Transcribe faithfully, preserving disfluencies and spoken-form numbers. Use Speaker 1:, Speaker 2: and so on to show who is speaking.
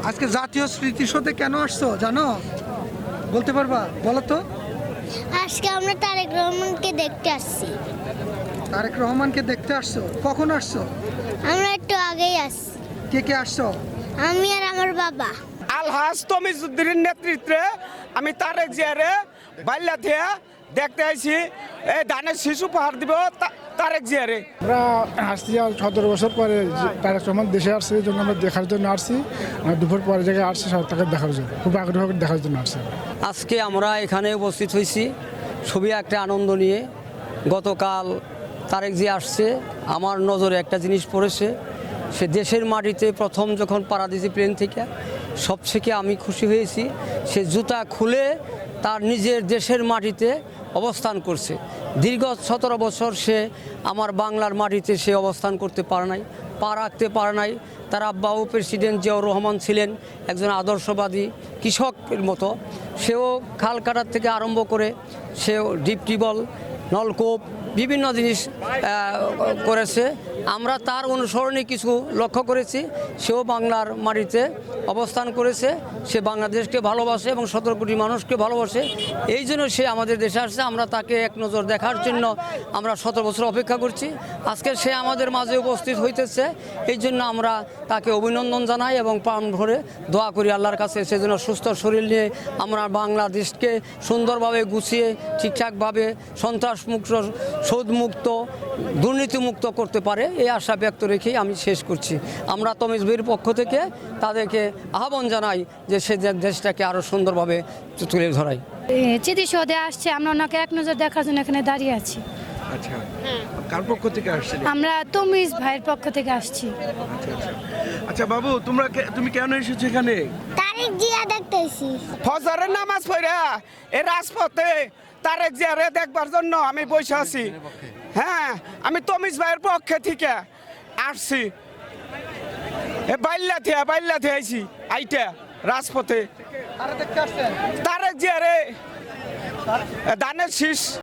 Speaker 1: আজকে জাতীয় স্মৃতিসৌধে কেন আসছো জানো? বলতে পারবা? বলো তো।
Speaker 2: আজকে আমরা তারেক রহমানকে দেখতে আসছি।
Speaker 1: তারেক রহমানকে দেখতে আসছো? কখন আসছো?
Speaker 2: আমরা একটু আগেই আসছি।
Speaker 1: কে কে আসছো?
Speaker 2: আমি আর আমার বাবা।
Speaker 3: আলহাজ তমিজউদ্দিনের নেতৃত্বে আমি তারেক জিয়ারে বাইল্লা থেকে দেখতে আইছি। এই ধানের শিশু পাহাড় দিব তা- তারেক জিয়ারে।
Speaker 4: আমরা আসছি আর সতেরো বছর পরে যে তারেক রহমান দেশে আসছে এই জন্য আমরা দেখার জন্য আসছি। আমরা দুপুর পরে জায়গায় আসছি সব তাকে দেখার জন্য, খুব আগ্রহ করে দেখার জন্য আসছি।
Speaker 5: আজকে আমরা এখানে উপস্থিত হয়েছি খুবই একটা আনন্দ নিয়ে। গতকাল তারেক জি আসছে, আমার নজরে একটা জিনিস পড়েছে, সে দেশের মাটিতে প্রথম যখন পাড়া দিয়েছে প্লেন থেকে, সব থেকে আমি খুশি হয়েছি সে জুতা খুলে তার নিজের দেশের মাটিতে অবস্থান করছে। দীর্ঘ সতেরো বছর সে আমার বাংলার মাটিতে সে অবস্থান করতে পারে নাই, পা রাখতে পারে নাই। তার আব্বাও প্রেসিডেন্ট জিয়াউর রহমান ছিলেন একজন আদর্শবাদী কৃষকের মতো। সেও খাল কাটার থেকে আরম্ভ করে সেও ডিপ টিউবওয়েল, নলকূপ বিভিন্ন জিনিস আহ, করেছে। আমরা তার অনুসরণে কিছু লক্ষ্য করেছি। সেও বাংলার মাটিতে অবস্থান করেছে, সে বাংলাদেশকে ভালোবাসে এবং সতেরো কোটি মানুষকে ভালোবাসে। এই জন্য সে আমাদের দেশে আসছে। আমরা তাকে এক নজর দেখার জন্য আমরা সতেরো বছর অপেক্ষা করছি। আজকে সে আমাদের মাঝে উপস্থিত হইতেছে, এই জন্য আমরা তাকে অভিনন্দন জানাই এবং প্রাণ ভরে দোয়া করি আল্লাহর কাছে সেজন্য সুস্থ শরীর নিয়ে আমরা বাংলাদেশকে সুন্দরভাবে গুছিয়ে ঠিকঠাকভাবে সন্ত্রাসমুক্ত, সুদমুক্ত, দুর্নীতিমুক্ত করতে পারে, এই আশা ব্যক্ত রেখেই আমি শেষ করছি। আমরা তমিজ ভাইয়ের পক্ষ থেকে তাদেরকে আহ্বান জানাই যে সে দেশটাকে আরও সুন্দরভাবে তুলে ধরাই।
Speaker 6: স্মৃতিসৌধে আসছে, আমরা ওনাকে এক নজর দেখার জন্য এখানে দাঁড়িয়ে আছি।
Speaker 7: আচ্ছা, কার পক্ষ থেকে আসছেন?
Speaker 6: আমরা তমিজ ভাইয়ের পক্ষ থেকে আসছি।
Speaker 7: আচ্ছা আচ্ছা আচ্ছা বাবু, তোমরা কে- তুমি কেন এসেছো এখানে?
Speaker 2: তারেক জিয়া দেখতে আসছি।
Speaker 3: ফজরের নামাজ পড়া এই রাজপথে তারেক জিয়ারে দেখবার জন্য আমি বসে আছি। হ্যাঁ, আমি তমিজ ভাইয়ের পক্ষে থেকে আসছি। এ বাইল্লা থেকে বাইল্লা থেকে আইছি আইটা রাজপথে
Speaker 1: আরে দেখতে আসছেন?
Speaker 3: তারেক জিয়ারে ধানের শীষ